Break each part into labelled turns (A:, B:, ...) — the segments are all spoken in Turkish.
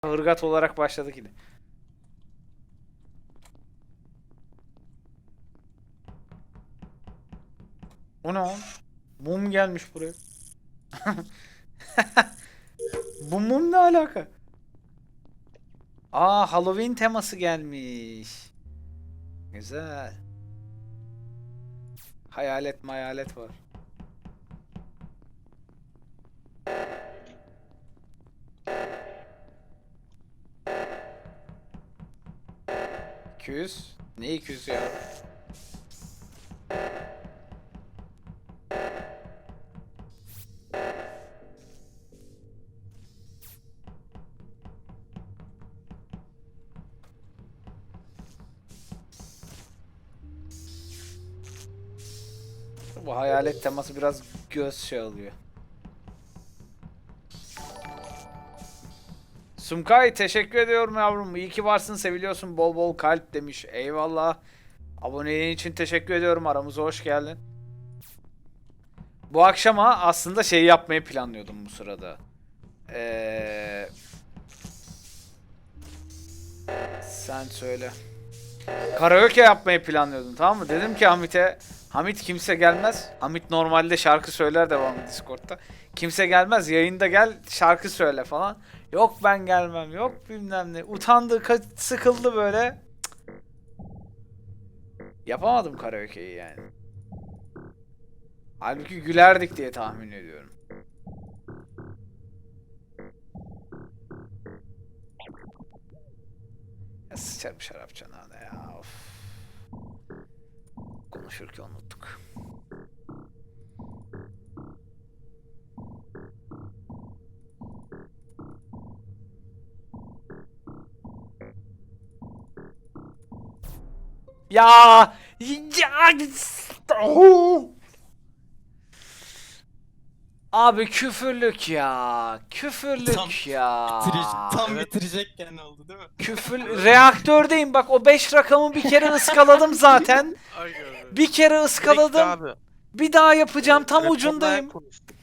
A: Hırgat olarak başladık yine. O ne oğlum? Mum gelmiş buraya. Bu mum ne alaka? Aa, Halloween teması gelmiş. Güzel. Hayalet var. Küs. Ne 200 ya? Bu hayalet teması biraz göz şey alıyor. Sumkay teşekkür ediyorum yavrum. İyi ki varsın, seviliyorsun. Bol bol kalp demiş. Eyvallah. Aboneliğin için teşekkür ediyorum. Aramıza hoş geldin. Bu akşama aslında şey yapmayı planlıyordum bu sırada. Sen söyle. Karaoke yapmayı planlıyordum, tamam mı? Dedim ki Hamit'e, Hamit kimse gelmez. Hamit normalde şarkı söyler devamlı Discord'da. Kimse gelmez, yayında gel şarkı söyle falan. Yok ben gelmem, yok bilmem ne. Utandı, sıkıldı böyle. Yapamadım karaoke'yi yani. Halbuki gülerdik diye tahmin ediyorum. Ya sıçarım şarap çanağına ya. Of. Konuşurken unuttuk. Ya, oh! Abi küfürlük ya. Küfürlük ya.
B: Tam bitirecekken oldu değil mi?
A: Küfür reaktördeyim bak, o 5 rakamı bir kere ıskaladım zaten. Bir kere ıskaladım.
C: Abi.
A: Bir daha yapacağım, tam
C: Reportlayan
A: ucundayım.
C: konuştuk.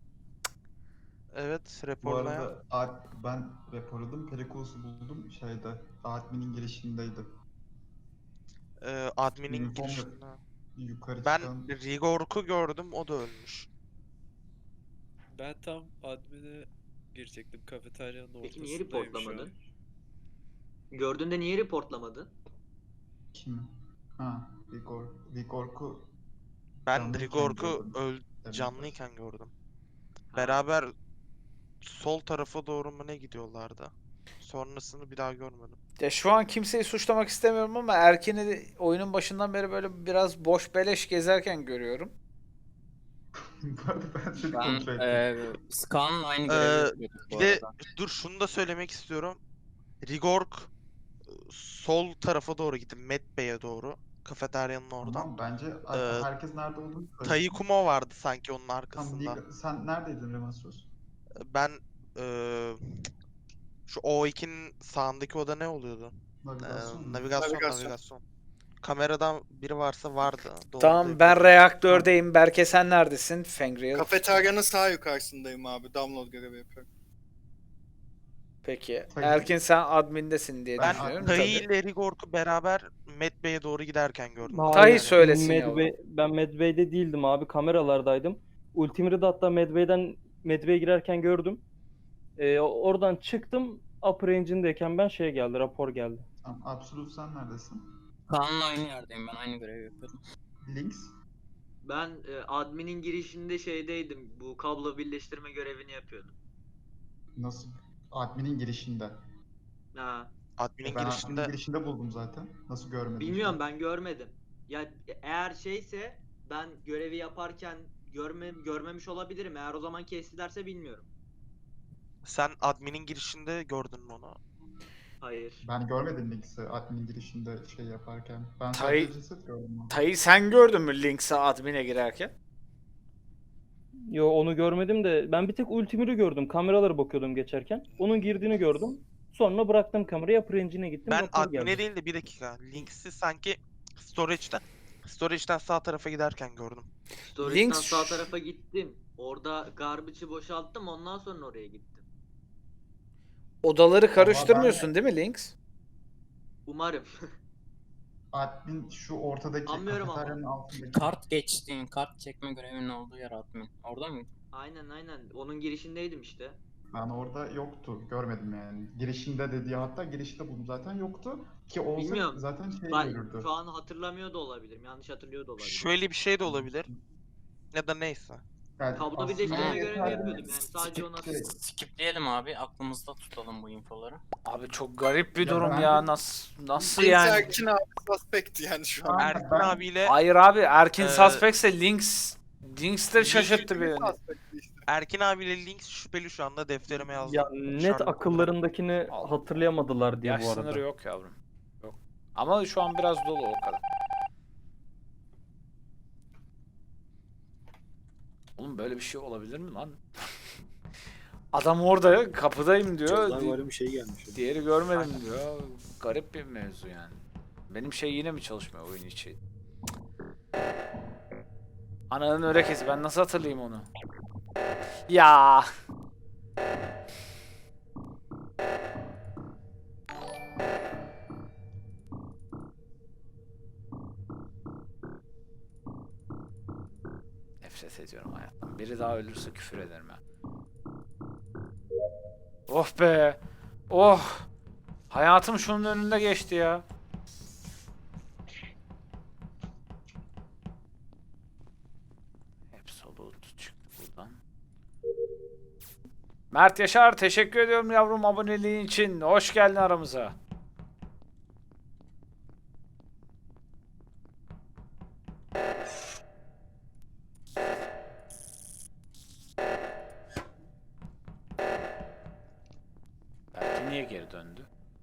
C: Evet,
B: Bu
C: reportlayan.
B: arada ben raporladım. Perikulos'u buldum şeyde. Admin'in girişindeydi.
C: Admin'in
B: Uniform
C: girişinde.
B: yukarı
C: Ben
B: çıkan.
C: Rigork'u gördüm, o da ölmüş.
D: Ben tam admin'e girecektim. Kafeteryanın
E: Peki niye
D: ortasındayım şu an.
E: reportlamadın? Gördüğünde niye reportlamadın?
B: Kim? Ha, Vigor'ku
C: Ben
B: canlıyken
C: Rigork'u
B: gördüm. Evet.
C: canlıyken gördüm.
E: Ha.
C: Beraber sol tarafa doğru mu ne gidiyorlardı? Sonrasını bir daha görmedim.
A: Ya şu an kimseyi suçlamak istemiyorum ama Erkin'i de oyunun başından beri böyle biraz boş beleş gezerken görüyorum.
B: Bu arada ben seni
F: Ben
B: kontrol ettim.
F: Skan'la aynı görevi yapıyorduk
C: Bir
F: bu
C: de
F: arada.
C: dur şunu da söylemek istiyorum. Rigork sol tarafa doğru gitti. Medbay'e doğru. Kafeteryanın oradan.
B: Tamam bence herkes nerede olduğunu söylesin.
C: Tayikumo vardı sanki onun
B: Tamam,
C: arkasında.
B: sen neredeydin Remasos?
C: Ben şu O2'nin sağındaki oda ne oluyordu?
B: Navigasyon mu?
C: Navigasyon. Kameradan biri varsa vardı. Doğru
A: Tamam,
C: da
A: ben
C: yapıyordum.
A: reaktördeyim. Berke sen neredesin? Fengriel.
G: Kafeteryanın sağ yukarısındayım abi. Download görevi yapıyorum.
A: Peki.
B: Tabii.
A: Erkin sen admindesin diye
B: Ben
A: düşünüyorum.
C: Tayi
A: Tabii.
C: ile Rigork'u beraber Medbay'e doğru giderken gördüm.
H: Hayır,
A: Tahi söylesin
H: Ben Medbay'de değildim abi, kameralardaydım. Ultimate'i de hatta Medbay'e girerken gördüm. Oradan çıktım, upper engine'deyken ben şeye geldi, rapor geldi.
B: Tamam, Absolute sen neredesin?
F: Kaan'la aynı yerdeyim, ben aynı görevi yapıyordum.
B: Links.
E: Ben admin'in girişinde şeydeydim. Bu kablo birleştirme görevini yapıyordum.
B: Nasıl? Admin'in girişinde.
E: Ha.
C: Admin'in
B: Ben
C: girişinde
B: admin'in girişinde buldum zaten. Nasıl görmedin?
E: Bilmiyorum, ben görmedim. Ya eğer şeyse ben görevi yaparken görmemiş olabilirim. Eğer o zaman kestilerse bilmiyorum.
C: sen admin'in girişinde gördün mü onu?
E: Hayır.
B: Ben görmedim Links'i admin'in girişinde şey yaparken. Ben
A: Tay-
B: sadece ceset gördüm.
A: Tahi sen gördün mü Links'e admin'e girerken?
H: Yo, onu görmedim de ben bir tek Ultimate'i gördüm. Kameralara bakıyordum geçerken. Onun girdiğini gördüm. Sonra bıraktım kamerayı, upper engine'e gittim.
C: Ben
H: rapor
C: admin'e
H: geldi.
C: değil de bir dakika. Links'i sanki storage'den sağ tarafa giderken gördüm.
E: Storage'dan
A: Links-
E: sağ tarafa gittim. Orada garbage'ı boşalttım. Ondan sonra oraya gittim.
A: Odaları karıştırmıyorsun değil mi Lynx?
E: Umarım.
B: Admin şu ortadaki
E: Anlıyorum ama.
B: kafeteryanın altındaki.
F: Kart geçtiğin, kart çekme görevinin olduğu yer admin. Orada mıydın?
E: Aynen. Onun girişindeydim işte.
B: Ben orada yoktu. Görmedim yani. Girişinde dediği, hatta girişte buldum zaten, yoktu. Ki olsa
E: Bilmiyorum.
B: zaten şey
E: Ben
B: görürdü.
E: şu an hatırlamıyor da olabilirim. Yanlış hatırlıyor da olabilirim.
C: Şöyle bir şey de olabilir. Ya da neyse.
B: Yani
E: Kablo
B: aslında
E: birleştirme
F: görevi
B: yeterli.
E: yapıyordum yani, sadece ona-
F: Skipleyelim abi. Aklımızda tutalım bu infoları.
A: Abi çok garip bir
B: Ya
A: durum
B: ben-
A: ya. Nasıl
G: Neyse,
A: yani?
G: Erkin abi suspect yani şu an.
B: Aynen,
C: Erkin
B: ben-
C: abiyle
A: Hayır abi, Erkin
C: Ee,
A: suspectse Lynx de şaşırttı beni.
G: Suspect'ti işte.
C: Erkin abiyle Lynx şüpheli şu anda, defterime yazdım.
H: Ya net
C: Şarkı olarak.
H: akıllarındakini
A: Allah.
H: hatırlayamadılar diye
A: Yaş
H: bu arada.
A: sınırı yok yavrum. Yok. Ama şu an biraz dolu, o kadar. Oğlum böyle bir şey olabilir mi lan? Adam orada kapıdayım diyor.
I: bir şey gelmiş.
A: Diğeri görmedim diyor. Garip bir mevzu yani. Benim şey yine mi çalışmıyor oyun içi? Ananın örekesi, ben nasıl hatırlayayım onu? Ya. Nefret ediyorum hayattan. Biri daha ölürse küfür ederim ya. Oh be. Oh. Hayatım şunun önünde geçti ya. Absolute çıktı buradan. Mert Yaşar, teşekkür ediyorum yavrum aboneliğin için. Hoş geldin aramıza. Belki niye geri döndü?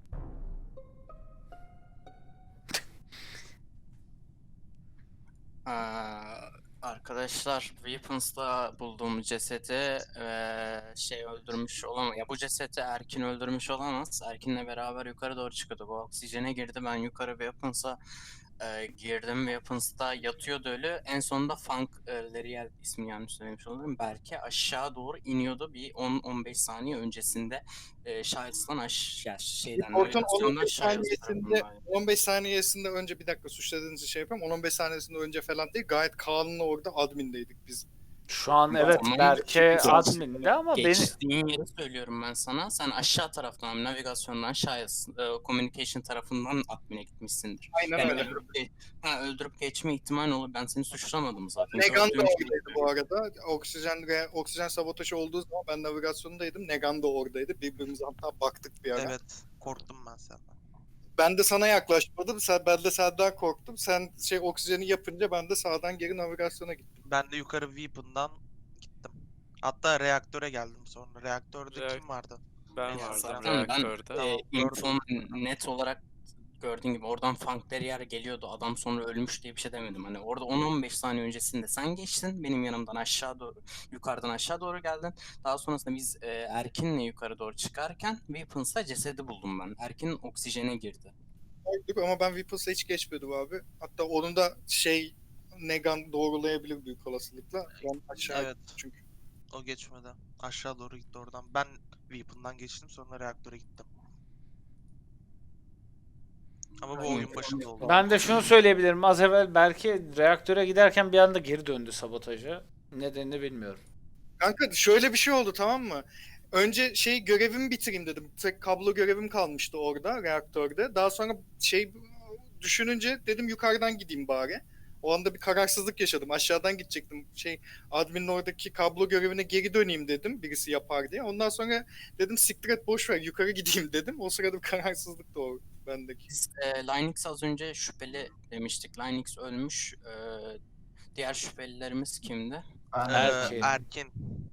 F: Arkadaşlar, Weapons'ta bulduğum cesedi şey öldürmüş olamaz. Ya bu cesedi Erkin öldürmüş olamaz. Erkin'le beraber yukarı doğru çıkıyordu. Bu oksijene girdi. Ben yukarı Weapons'a girdim. Weapons'ta yatıyordu ölü. En sonunda Funk Leriel, ismini yanlış söylemiş olurum. Belki aşağı doğru iniyordu. Bir 10-15 saniye öncesinde Shiles'tan aşağı şeyden,
G: Report'un
F: navigasyondan
G: 15
F: Shiles
G: saniyesinde
F: tarafındaydı.
G: 15 saniyesinde önce, bir dakika suçladığınızı şey yapayım. 10-15 saniyesinde önce falan değil. Gayet Kaan'la orada admindeydik biz.
A: Şu an
F: Ama
A: evet
F: tamam,
A: Berke
F: geç-
A: adminde ama beni...
F: Geçtiğin yeri söylüyorum ben sana. Sen aşağı taraftan, navigasyondan Shiles, communication tarafından admin'e gitmişsindir.
G: Aynen
F: Yani
G: öyle.
F: öldürüp geçme ihtimali olur. Ben seni suçlamadım zaten.
G: Negan da
F: Gördüğüm şeyi
G: oradaydı bu arada. Oksijen sabotajı olduğu zaman ben navigasyondaydım. Negan da oradaydı. Birbirimize hatta baktık bir ara.
C: Evet, korktum ben senden.
G: Ben de sana yaklaşmadım. Ben de senden korktum. Sen oksijeni yapınca ben de sağdan geri navigasyona gittim.
C: Ben de yukarı Weapon'dan gittim. Hatta reaktöre geldim sonra. Reaktörde kim vardı?
D: Ben
C: Ya
D: vardım
F: zaten ben
D: reaktörde.
C: Tamam,
F: infom net olarak gördüğün gibi oradan Funk'leri yer geliyordu. Adam sonra ölmüş diye bir şey demedim. Hani orada 10-15 saniye öncesinde sen geçtin. Benim yanımdan aşağı doğru, yukarıdan aşağı doğru geldin. Daha sonrasında biz Erkin'le yukarı doğru çıkarken Weapons'ta cesedi buldum ben. Erkin oksijene girdi.
G: Oyduk ama ben Weapons'a hiç geçmedim abi. Hatta onun da Negan doğrulayabilir büyük olasılıkla. Ben aşağı
C: Evet.
G: gittim çünkü.
C: O geçmedi. Aşağı doğru gitti oradan. Ben Weapon'dan geçtim, sonra reaktöre gittim. Ama bu oyun başında oldu.
A: Ben de şunu söyleyebilirim. Az evvel belki reaktöre giderken bir anda geri döndü sabotaja. Nedenini bilmiyorum.
G: Kanka şöyle bir şey oldu, tamam mı? Önce görevimi bitireyim dedim. Tek kablo görevim kalmıştı orada reaktörde. Daha sonra düşününce dedim yukarıdan gideyim bari. O anda bir kararsızlık yaşadım. Aşağıdan gidecektim. Admin'in oradaki kablo görevine geri döneyim dedim. Birisi yapar diye. Ondan sonra dedim siktir et, boş ver, yukarı gideyim dedim. O sırada bir kararsızlık doğdu bendeki.
F: Biz Linux az önce şüpheli demiştik. Linux ölmüş. Diğer şüphelilerimiz kimdi?
B: Ben
A: Erkin.
C: Erkin.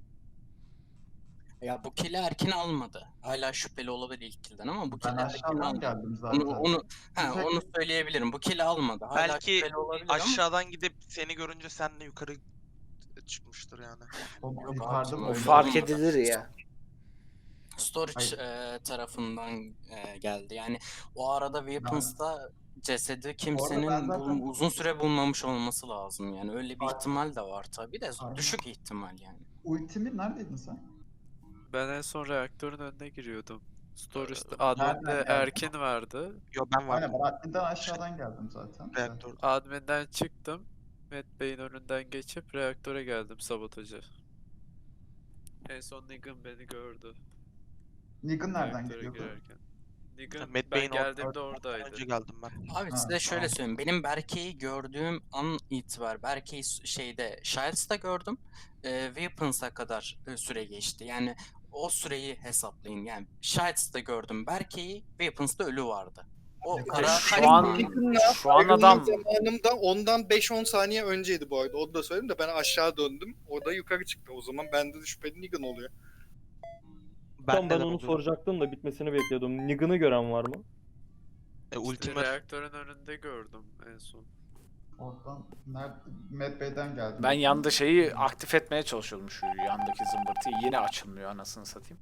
F: Ya bu kill'i Erkin almadı. Hala şüpheli olabilir ilk kill'den ama bu
B: ben
F: kill'i Erkin
B: aşağıdan
F: almadı.
B: geldim zaten.
F: Onu söyleyebilirim. Bu kill'i almadı. Hala
C: Belki
F: şüpheli olabilir ama
C: aşağıdan gidip seni görünce senle yukarı çıkmıştır yani.
B: O
F: Yok
B: yukarıda
F: abi,
B: mı
F: o
B: oynadı?
A: Fark edilir ya.
F: storage tarafından geldi. Yani o arada Weapons'ta cesedi kimsenin
B: ben zaten-
F: uzun süre bulmamış olması lazım. Yani öyle bir
B: Aynen.
F: ihtimal de var tabii de
B: Aynen.
F: düşük ihtimal yani.
B: Ultimi neredeydin sen?
D: Ben en son reaktörün önüne giriyordum. Storage'da
B: nereden
D: admin'de
B: geldin?
D: Erkin vardı.
C: Yo ben vardım.
B: Aynen ben adminden aşağıdan geldim zaten.
C: Reaktör.
D: Admin'den çıktım. Matt Bey'in önünden geçip reaktöre geldim sabotaja. En son Negan beni gördü.
B: Negan nereden
D: Reaktöre
B: geliyordu?
D: girerken. Negan
C: Matt
D: ben
C: Bey'in
D: geldiğimde
C: Önce
D: oradaydı.
C: geldim ben.
F: Abi
B: Ha,
F: size şöyle
B: tamam.
F: söyleyeyim. Benim Berke'yi gördüğüm an itibar. Berke'yi şeyde Shilds'ta gördüm. Weapons'a kadar süre geçti. Yani o süreyi hesaplayın. Yani Shilds'ta gördüm Berke'yi. Weapons'ta ölü vardı. O ara
A: Şu an şu an adam
G: Zamanımda ondan 5-10 saniye önceydi bu arada. Onu da söyleyeyim de ben aşağı döndüm. Orada yukarı çıktı. O zaman bende de şüpheli Negan oluyor.
H: Tam ben
C: de
H: onu
C: oluyor.
H: soracaktım da bitmesini bekliyordum. Negan'ı gören var mı?
D: İşte
C: Ultimate
D: reaktörün önünde gördüm en son.
B: Oradan nerede? Mad Bey'den geldim.
A: ben yanda şeyi aktif etmeye çalışıyordum, şu yandaki zımbırtıyı. Yine açılmıyor anasını satayım.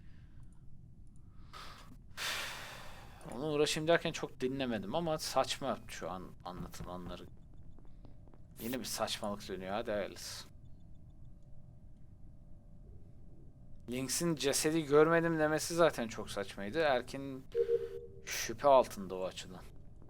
A: Onu uğraşayım derken çok dinlemedim ama saçma şu an anlatılanları. Yine bir saçmalık dönüyor, hadi hayırlısı. Lynx'in cesedi görmedim demesi zaten çok saçmaydı. Erkin şüphe altında o açıdan.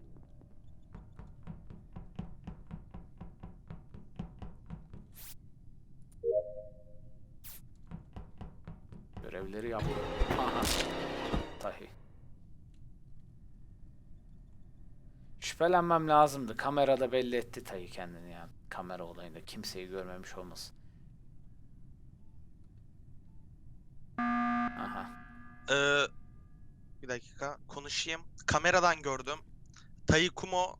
A: Görevleri yap. Aha. Tahi. Şüphelenmem lazımdı. Kamerada belli etti Tahi kendini yani. Kamera olayında kimseyi görmemiş olmasın. Aha.
C: Bir dakika konuşayım. Kameradan gördüm. Taikumo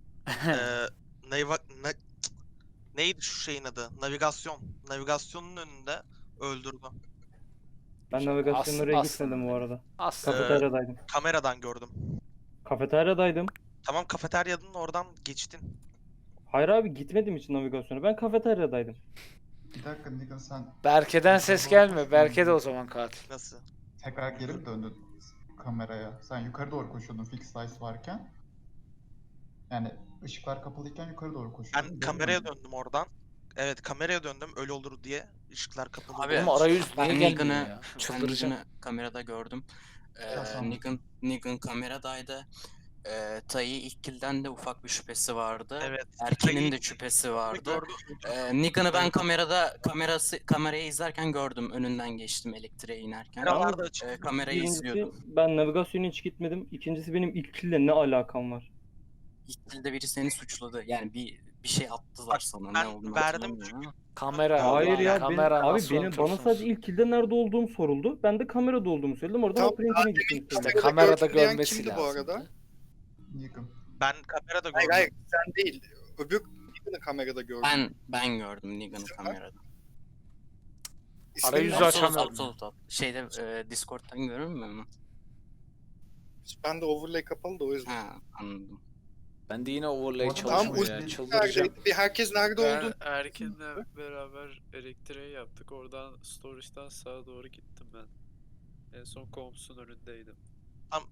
C: neydi şu şeyin adı? Navigasyon. Navigasyonun önünde öldürdü.
H: Ben navigasyonun oraya
A: Aslında-
H: gitmedim bu arada.
A: Aslında
H: Kafeteryadaydım.
C: Kameradan gördüm.
H: Kafeteryadaydım.
C: Tamam kafeteryanın oradan geçtin.
H: Hayır abi gitmedim için navigasyona. Ben kafeteryadaydım.
B: Bir dakika Negan sen
A: Berke'den ses gelmiyor. Berke de o zaman katil.
C: Nasıl?
B: tekrar geri mi döndün kameraya? Sen yukarı doğru koşuyordun fix lights varken. Yani ışıklar kapalıyken yukarı doğru koşuyordun.
C: Ben
B: Geri
C: kameraya
B: döndün.
C: döndüm oradan. Evet kameraya döndüm ölü olur diye. Işıklar kapalı.
F: Abi,
A: Oğlum arayüz niye
F: ben
A: gelmiyor
F: Negan'ı
A: ya?
F: ben
A: Çıldıracağım.
F: Negan'ı kamerada gördüm.
B: Ya sen-
F: Negan kameradaydı. Tayi ilk kilden de ufak bir şüphesi vardı.
C: Evet.
F: Erkin'in de şüphesi vardı.
C: Gördüm.
F: Negan'ı ben kamerayı izlerken gördüm. Önünden geçtim elektriğe inerken.
C: Kameralar da açık.
F: Kamerayı
H: Birincisi
F: izliyordum.
H: ben navigasyona hiç gitmedim. İkincisi benim ilk kille ne alakam var?
F: İlk kilde biri seni suçladı. Yani bir şey attılar
C: Bak,
F: sana.
C: ben
F: Ne olduğunu
C: verdim
F: hatırlamıyorum ama.
A: Kamera.
H: Hayır
A: ulan,
H: ya
A: kamera
H: abi
A: nasıl
H: bana
A: unutursunuz?
H: sadece ilk kilde nerede olduğum soruldu. Ben de kamerada olduğumu söyledim. Oradan
G: Tamam,
H: Uprange'ine gittim.
A: İşte
G: Kamerada
A: kamerada
G: gördüm diyen
A: görmesi
G: kimdi
A: lazım.
G: bu arada?
B: Negan.
C: Ben kamerada gördüm.
G: Hayır sen değil. Öbür Negan'ı kamerada gördüm.
F: Ben gördüm Negan'ı kamerada.
G: İsmini
A: Arayüzü
G: nasıl-
A: açamıyorum.
F: Absolut. Şeyde Discord'dan görünmüyor mu?
G: Ben de overlay kapalı da o yüzden.
F: Ha, anladım.
A: Ben de yine overlay
B: Tam
A: çalışmıyor ya.
G: ulti
A: Çıldıracağım.
G: neredeydi? Bir herkes nerede
D: Ben
G: olduğunu
D: Erkin'le beraber elektriği yaptık. Oradan storage'dan sağa doğru gittim ben. En son Comps'un önündeydim.
C: Tam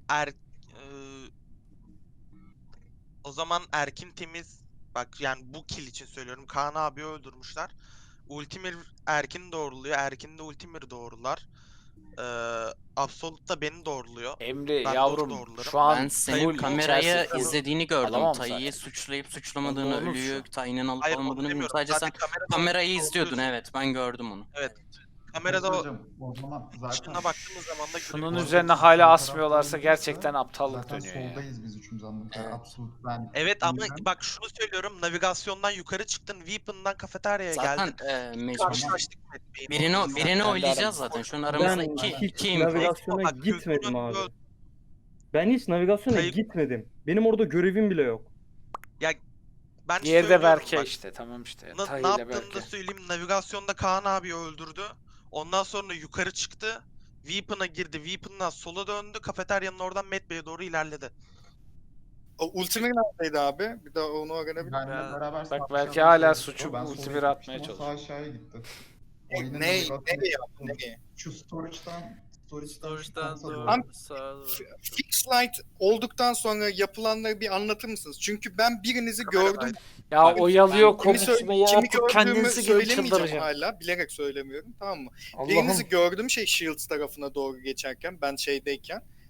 C: o zaman Erkin temiz. Bak yani bu kill için söylüyorum. Kaan abi öldürmüşler. Ultimir Erkin doğruluyor. Erkin de Ultimir doğrular. Absolut da beni doğruluyor.
A: Emre
C: Ben
A: yavrum
C: doğru doğrularım.
A: şu an
F: Ben senin
A: full
F: kamerayı
A: içerisi-
F: izlediğini gördüm.
A: Alamam
F: Tayi'yi
A: zaten.
F: suçlayıp suçlamadığını,
A: Onu
F: ölüyü,
A: unut şu.
F: Tayi'nin alıp
C: Hayır onu
F: almadığını bilmiyorum.
C: demiyorum.
F: Sadece sen kamerayı izliyordun,
C: doğruluyorsun.
F: evet. Ben gördüm onu.
C: Kamerada o
B: Hocam, o zaman zaten
C: ışığına baktığımız zaman da
A: Şunun
C: görüyoruz.
A: üzerine
B: Sol
A: hala
B: tarafta
A: asmıyorlarsa
B: olursa
A: gerçekten aptallık
B: zaten
A: dönüyor ya.
B: soldayız biz üçümüz anladığım kadar.
F: Evet.
B: Absolut ben.
C: Evet ama
B: Negan.
C: bak şunu söylüyorum. Navigasyondan yukarı çıktın. Weapon'dan kafeteryaya
F: Zaten
C: geldin.
F: mecbur.
C: Karşılaştık Matt Bey'in
F: Birini
C: ortasında.
F: birini
A: Ben de
F: oylayacağız
A: aramızda.
F: zaten. Şu an
H: Ben
F: aramızda
H: hiç
F: iki info.
H: navigasyona
C: Bak, gözünün
H: gitmedim
C: önünde
H: abi. Ben hiç navigasyona
C: Tayyip-
H: gitmedim. Benim orada görevim bile yok.
C: Ben
A: Diğeri de
C: söylüyorum
A: Berke
C: bak,
A: işte, tamam işte.
C: Ne
A: Tahi ile
C: yaptığını da
A: Berke.
C: söyleyeyim. Navigasyonda Kaan abi öldürdü. Ondan sonra yukarı çıktı. Weapon'a girdi. Weapon'dan sola döndü. Kafeteryanın oradan Matt Bey'e doğru ilerledi.
G: O Ultimate neredeydi abi? Bir daha onu öğrenebilir miyim?
B: Benle beraber sağ
A: Bak belki
B: aşağıda
A: hala
B: çalışıyor.
A: suçu
B: Ben sola
A: Ultimate
B: gitmiştim,
A: atmaya
B: o
A: çalışıyor.
B: Sağ aşağıya gitti. O yine
G: Nereye
B: navigasyon-
G: yaptı? Nereye?
B: Şu storage'dan şu
D: Storage'dan
B: komsa
D: doğru
G: Tam-
D: sağa doğru.
G: Fix light olduktan sonra yapılanları bir anlatır mısınız? Çünkü ben birinizi
C: Kameradaydı.
G: gördüm.
A: Ya
G: Abi,
A: oyalıyor
G: Kimi,
A: konuşmayı
G: kimi
A: artık
G: gördüğümü
A: kendinizi gibi
G: söylemeyeceğim
A: çıldıracağım.
G: hala. Bilerek söylemiyorum, tamam mı?
A: Allah'ım.
G: Birinizi gördüm Shields tarafına doğru geçerken, ben şeydeyken.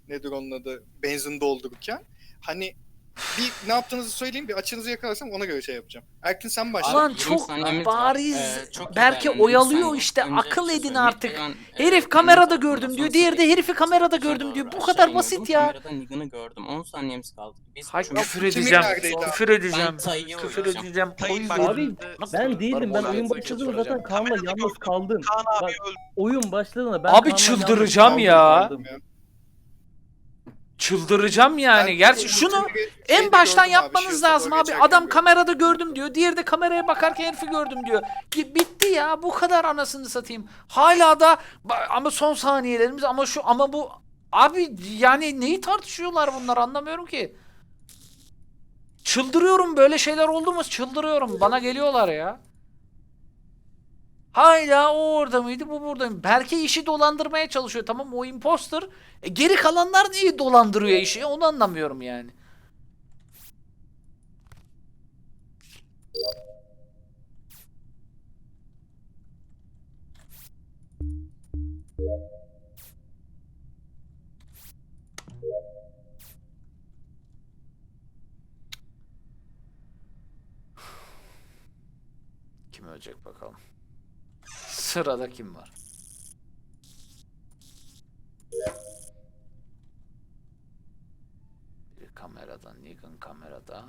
G: nedir onun adı, benzin doldururken. Hani bir ne yaptığınızı söyleyeyim, bir açınızı yakalarsam ona göre şey yapacağım. Erkin sen başla.
A: Ulan
F: 20
A: çok
F: saniyemiz var.
A: bariz.
F: Çok iyi
A: Belki
F: değerlendirdim.
A: oyalıyor
F: Sen
A: işte.
F: önce
A: Akıl
F: bir şey
A: edin
F: söyleyeyim.
A: artık.
F: Ben,
A: Herif
F: benim
A: kamerada
F: tarafımdan
A: gördüm diyor.
F: sonra
A: Diğeri de
F: sevgili
A: herifi kamerada
F: Sabotaj'a
A: gördüm diyor.
F: doğru
A: Bu
F: aşağı
A: kadar
F: iniyordum.
A: basit ya.
F: Kamerada Negan'ı gördüm. 10 saniyemiz kaldı. Biz
A: Hay
F: üçümüz-
A: küfür
G: Kimin
A: edeceğim.
G: neredeydi abi?
A: Küfür edeceğim.
F: Ben Tay'ı
A: Küfür
F: oynayacağım.
A: edeceğim. O
C: Tay'ın
A: yüzden.
C: bak-
H: Abi ben değildim. Ben oyun başladığında zaten Kaan'la
C: Kamerada
H: yalnız
C: gördüm.
H: kaldım.
C: Kaan
H: Bak
C: abi öldü.
H: oyun başladığında ben
A: Abi
H: Kaan'la
A: çıldıracağım
H: yalnız
A: ya.
H: kaldım.
A: Çıldıracağım yani.
G: Ben
A: Gerçi şunu
G: Ultimate'i
A: en
G: şeyde
A: baştan
G: gördüm abi,
A: yapmanız
G: Shield'a
A: lazım
G: doğru
A: abi.
G: geçerken
A: Adam
G: gördüm.
A: kamerada gördüm diyor. Diğeri de kameraya bakarken herifi gördüm diyor. Bitti ya. Bu kadar anasını satayım. Hala da ama son saniyelerimiz ama bu abi yani neyi tartışıyorlar bunlar anlamıyorum ki. Çıldırıyorum böyle şeyler oldu mu çıldırıyorum. Bana geliyorlar ya. Hala o orada mıydı bu burada mı? Berke işi dolandırmaya çalışıyor tamam o imposter. Geri kalanlar niye dolandırıyor işi onu anlamıyorum yani. Kim ölecek bakalım. Sırada kim var? Biri kamerada, Negan kamerada.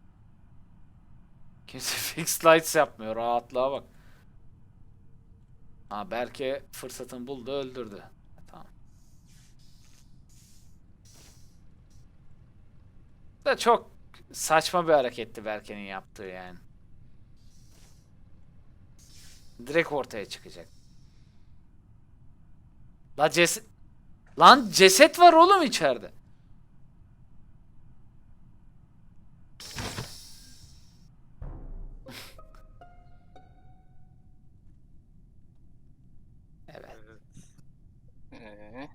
A: Kimse fixed lights yapmıyor. Rahatlığa bak. Ha Berke fırsatını buldu öldürdü. Tamam. Da çok saçma bir hareketti Berke'nin yaptığı yani. Direkt ortaya çıkacak. Lan ceset var oğlum içeride. Evet.
F: Ee,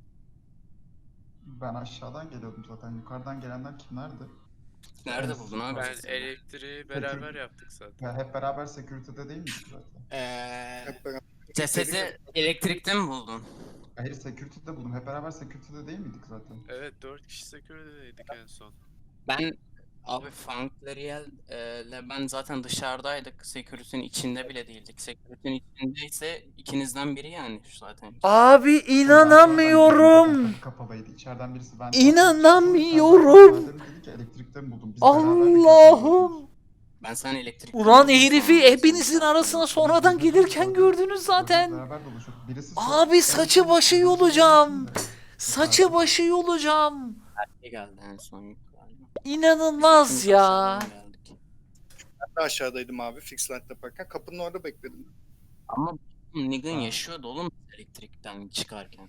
B: Ben aşağıdan geliyordum zaten. Yukarıdan gelenler kimlerdi?
F: Nerede buldun abi?
D: Ben
F: cesedi?
D: elektriği beraber yaptık zaten.
B: Ya hep beraber security'de değil miydik zaten?
G: Hep beraber.
F: Cesedi elektrikte mi buldun?
B: Hayır security'de buldum. Hep beraber security'de değil miydik zaten?
D: Evet 4 kişi security'deydik en son.
F: Ben abi Funkleriel ile ben zaten dışarıdaydık. Security'nin içinde bile değildik. Security'nin içindeyse ikinizden biri yani zaten.
A: Abi inanamıyorum.
B: Kapı kapalıydı. İçeriden birisi ben...
A: İnanamıyorum.
B: Sen dedi ki elektrikte mi buldum? Biz beraber bir gördük.
A: Allah'ım.
F: Ben sen elektrikte
A: Ulan
F: buldum
A: herifi
F: sandım.
A: hepinizin arasına sonradan gelirken gördünüz zaten.
B: Beraber dolaşıyorduk. Birisi
A: Abi saçı başı yolacağım.
B: Yukarıda.
A: Saçı başı yolacağım.
F: Ne geldi en son galiba.
A: İnanılmaz
F: Biz
A: ya.
F: aşağıdan geldik.
G: Ben de aşağıdaydım abi, fix light yaparken. Kapının orada bekledim.
F: Ama Negan yaşıyordu oğlum elektrikten çıkarken.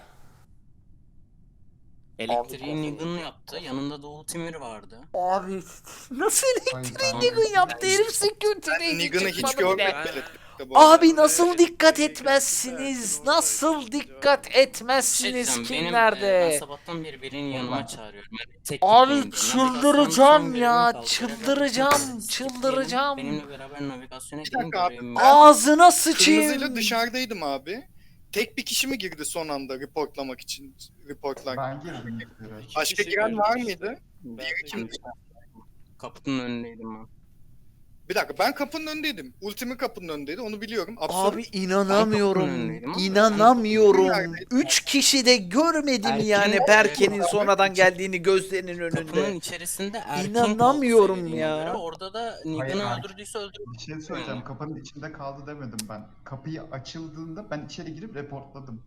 F: Elektriği Negan yaptı. Yanında da Ultimir vardı.
A: Abi nasıl
B: Hayır,
A: elektriği
B: ben-
A: Negan yaptı herif security'deydi
G: Negan'ı hiç
A: çıkmadı
G: görmedim
A: bile.
G: elektrikte bu arada.
A: Abi nasıl
D: Elektriği
A: dikkat
D: geldi,
A: etmezsiniz?
D: Erkin
A: Nasıl
D: oradaydı.
A: dikkat
F: Bir şey
A: etmezsiniz?
F: diyeceğim,
A: Kim
F: benim, ben
A: nerede?
F: sabahtan beri birinin yanıma çağırıyorum. Yani tek
A: Abi
F: gitmeyeyim diyor.
A: çıldıracağım
F: Navigasyonun
A: ya.
F: son görevini
A: Çıldıracağım.
F: kaldıracak.
A: Çıldıracağım.
F: Benimle beraber navigasyona
G: dakika
F: gidin
G: abi,
F: görevimi.
A: Ağzına
G: Kırmızıyla
A: sıçayım.
G: dışarıdaydım abi. Tek bir kişi mi girdi son anda reportlamak için? Reportlar.
B: Ben girdim. Evet.
G: Başka
D: kişi
G: giren var
D: girdi işte.
G: mıydı?
F: Ben
G: Diğeri kimdi?
F: Kapının önündeydim ben.
G: Bir dakika, ben kapının önündeydim. Ultimi kapının önündeydi, onu biliyorum.
A: Abi
G: Absolut.
A: inanamıyorum.
F: önündeydim ama
A: İnanamıyorum.
G: neredeydi?
A: 3 kişi de görmedim
F: Erken
A: yani
F: nerede?
A: Berke'nin sonradan geldiğini gözlerinin
F: Kapının
A: önünde.
F: içerisinde Erkin
A: İnanamıyorum
F: kaldı
A: ya.
F: söylediğine göre. Orada da
B: Hayır,
F: Negan'ı
B: Erkin-
F: öldürdüyse öldürdü.
B: Bir şey söyleyeceğim. Kapının içinde kaldı demedim ben. Kapıyı açıldığında ben içeri girip reportladım.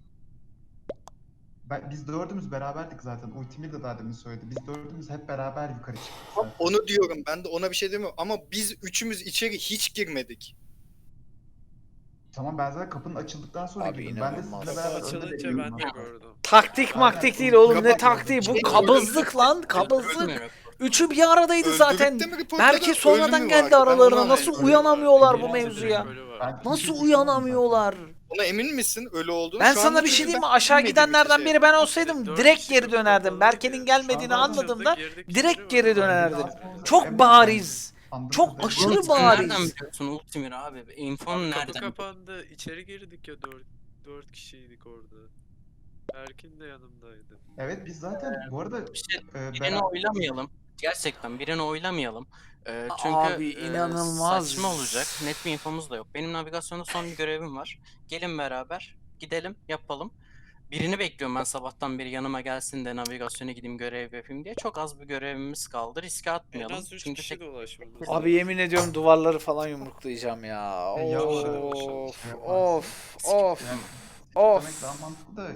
B: Biz dördümüz beraberdik zaten. Ultimir de daha demin söyledi. Biz dördümüz hep beraber yukarı çıktık zaten.
G: Onu diyorum, ben de ona bir şey demiyorum. Ama biz üçümüz içeri hiç girmedik.
B: Tamam ben zaten kapının açıldıktan sonra
A: Abi
B: girdim. Ben de
A: inanılmaz.
B: sizinle
D: Kapı
B: beraber önde
D: açılınca
B: bekliyordum.
D: ben de gördüm.
A: Taktik maktik değil oğlum ne taktiği bu kabızlık lan kabızlık.
F: Öldürmüyor.
A: Üçü bir aradaydı
G: Öldürüp
A: zaten.
G: de mi reportladı,
A: Belki
G: öldü
A: sonradan
G: mü
A: geldi
G: vardı? Ben
A: aralarına.
G: onu
A: Nasıl
G: anlayamadım.
A: uyanamıyorlar bu
D: Birisi
A: mevzuya?
D: direkt ölü var.
B: Ben-
A: Nasıl
B: Kimse
A: uyanamıyorlar?
G: Ona emin misin öyle olduğunu?
A: Ben
G: Şu
A: sana
G: anda
A: bir şey
G: çünkü
A: diyeyim mi?
G: ben
A: Aşağı
G: bilmediğim
A: gidenlerden
G: bir
A: biri ben
D: Dört
A: olsaydım
D: kişi
A: direkt geri
D: kapı
A: dönerdim.
D: kapalı
A: Berke'nin
D: diye.
A: gelmediğini
D: Şu anda
A: anladığımda
D: açıldı, girdik,
A: direkt
D: içeri
A: geri
D: var.
A: dönerdim.
B: Ben-
A: Çok
B: en
A: bariz.
B: baştan-
A: Çok
B: Anladın mı?
A: aşırı
F: Oğlum sen
A: bariz.
F: nereden biliyorsun Ultimir abi? Infon
D: Abi
F: nereden?
D: kapı kapandı. İçeri girdik ya 4 kişiydik orada. Erkin de yanımdaydı.
B: Evet biz zaten bu arada
F: Bir şey, birini
B: beraber...
F: oylamayalım. Gerçekten birini oylamayalım. Çünkü
A: Abi inanılmaz.
F: saçma olacak. Net bir infomuz da yok. Benim navigasyonda son bir görevim var. Gelin beraber gidelim yapalım. Birini bekliyorum ben sabahtan beri yanıma gelsin de navigasyona gideyim görev yapayım diye. Çok az bir görevimiz kaldı. Riske
D: En
F: atmayalım.
D: az 3
F: Çünkü
D: kişi
F: tek
D: dolaşmamız
A: Abi
D: lazım.
A: yemin ediyorum duvarları falan yumruklayacağım ya.
B: Ya
A: Of
B: şey yaparsın.
A: of
B: Yani,
A: Of.
B: demek daha mantıklı da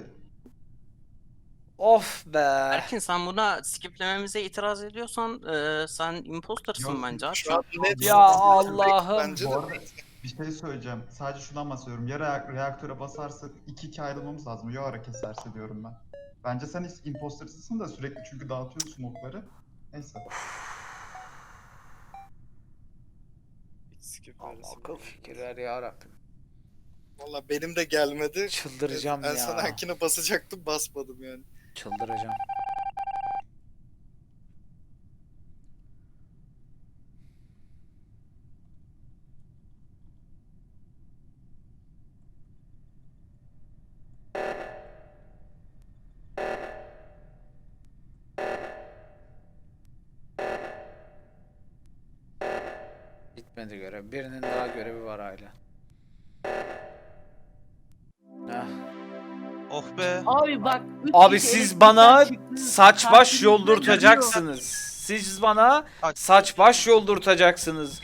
A: of be.
F: Erkin sen buna skiplememize itiraz ediyorsan sen impostersın
B: Yok,
F: bence abi.
G: Şu an net.
A: Ya Allah'ım.
G: Bence de
B: bu arada bir şey söyleyeceğim. Sadece şundan bahsediyorum. Ya reaktöre basarsa 2-2 ayrılmamız lazım. Ya ara keserse diyorum ben. Bence sen hiç impostersın da sürekli çünkü dağıtıyorsun okları. Neyse.
D: Hiç skip
A: Allah
D: arası
A: akıl
D: bile
A: fikirler ya Rabbim.
G: Valla benim de gelmedi.
A: Çıldıracağım
G: Ben
A: ya.
G: sana Erkin'e basacaktım basmadım yani.
A: Çıldıracağım. Bitmedi görev. Birinin daha görevi var hala. Heh.
C: Oh be.
I: Abi bak. üç
A: Abi
I: kişi
A: siz
I: elektrikten
A: bana
I: çıktı,
A: saç baş
I: karşımıza
A: yoldurtacaksınız. Siz bana saç baş yoldurtacaksınız.